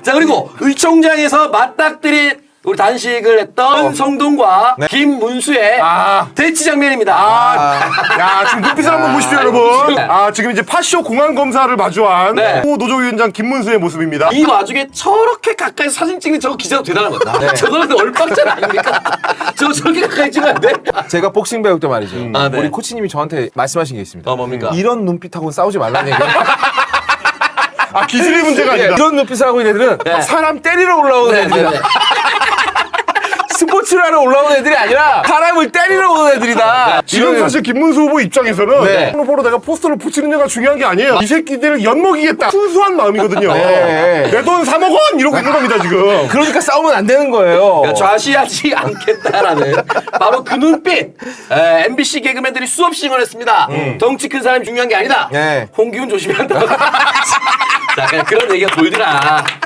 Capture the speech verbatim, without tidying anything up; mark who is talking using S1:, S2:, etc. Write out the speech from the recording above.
S1: 자, 그리고 의총장에서 맞닥뜨린 우리 단식을 했던 성동과
S2: 네.
S1: 김문수의
S3: 아.
S1: 대치 장면입니다.
S3: 아, 야, 지금 눈빛을 한번 보십시오, 여러분. 아, 지금 이제 파쇼 공항 검사를 마주한
S1: 네.
S3: 호 노조위원장 김문수의 모습입니다.
S1: 이 와중에 저렇게 가까이 사진 찍는 저거 기자도 대단한 거다.
S2: 네.
S1: 저거는 얼빵전 아닙니까? 저거 저렇게 가까이 찍으면 안 돼?
S2: 제가 복싱 배울 때 말이죠.
S1: 아, 네.
S2: 우리 코치님이 저한테 말씀하신 게 있습니다.
S1: 어, 뭡니까?
S2: 이런 눈빛하고는 싸우지 말라는 얘기.
S3: 아, 기술의 문제가 아니다.
S2: 이런 눈빛을 하고 있는 애들은
S1: 네.
S2: 사람 때리러 올라오는
S1: 네,
S2: 애들이다.
S1: 네, 네.
S2: 스포츠를 하러 올라오는 애들이 아니라 사람을 때리러 오는 애들이다.
S3: 지금
S2: 이거는-
S3: 사실 김문수 후보 입장에서는
S2: 네.
S3: 후보로 내가 포스터를 붙이는 게 중요한 게 아니에요. 이 새끼들을 엿먹이겠다. 순수한 마음이거든요.
S2: 네.
S3: 내 돈 삼억 원 이러고 있는 겁니다, 지금.
S2: 그러니까 싸우면 안 되는 거예요.
S1: 그러니까 좌시하지 않겠다라는 바로 그 눈빛. 에, 엠비씨 개그맨들이 수없이 응원했습니다. 덩치 큰 사람이 중요한 게 아니다.
S2: 네.
S1: 홍기훈 조심해야 한다. 자, 그냥 그런 얘기가 돌더라.